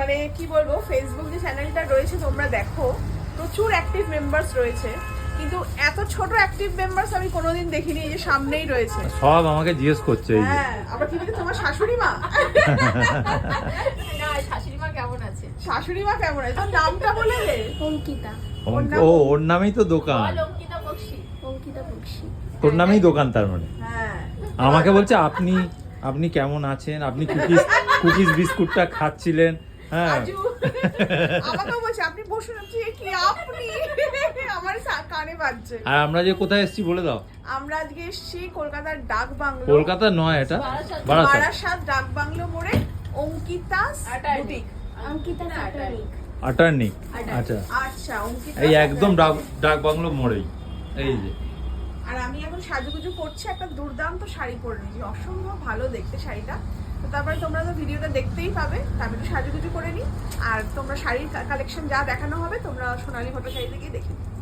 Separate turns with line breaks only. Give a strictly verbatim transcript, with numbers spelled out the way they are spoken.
মানে কি বলবো, ফেসবুক যে চ্যানেলটা রয়েছে তোমরা দেখো, প্রচুর অ্যাক্টিভ মেম্বার্স রয়েছে, কিন্তু এত ছোট অ্যাক্টিভ মেম্বার্স আমি কোনোদিন দেখিনি। এই যে সামনেই রয়েছে,
সব আমাকে জিজ্ঞেস করছে এই যে।
হ্যাঁ, আবার কি বলে তোমার শাশুড়ি মা?
না, শাশুড়ি মা কেমন আছে?
শাশুড়ি মা কেমন আছে? তোর নামটা বলে দে।
অঙ্কিতা।
ও ওর নামেই তো দোকান,
বল অঙ্কিতা বক্সি। অঙ্কিতা বক্সি।
তোর নামেই দোকান তার মানে।
হ্যাঁ,
আমাকে বলছে আপনি আপনি কেমন আছেন, আপনি কুকিজ কুকিজ বিস্কুটটা খাচ্ছিলেন। হ্যাঁ
রাজু আমাকেও বলছে আপনি বসুন। আমি বলছি, কি আপনি? আমার সা- কানে বাজছে।
আর আমরা যে কোথায় এসেছি বলে দাও।
আমরা আজকে এসেছি কলকাতার ডাক বাংলো,
কলকাতা নয়, এটা
বারাসাত।
বারাসাত।
বারাসাত ডাক বাংলো মোড়ে অঙ্কিতাস বুটিক।
অঙ্কিতা সাটারিক।
আটার্নিক, আচ্ছা
আচ্ছা, অঙ্কিতা
এই একদম ডাক ডাক বাংলো মোড়েই এই যে।
আর আমি এখন সাজুগুজু করছি, একটা দুর্দান্ত শাড়ি পরে নিয়েছি, অসম্ভব ভালো দেখতে শাড়িটা। তো তারপরে তোমরা তো ভিডিওটা দেখতেই পাবে, তা আমি একটু সাজুগুজু করে নিই। আর তোমরা শাড়ির কালেকশন যা দেখানো হবে তোমরা সোনালী ভট্টাচার্য গিয়ে দেখে নিও।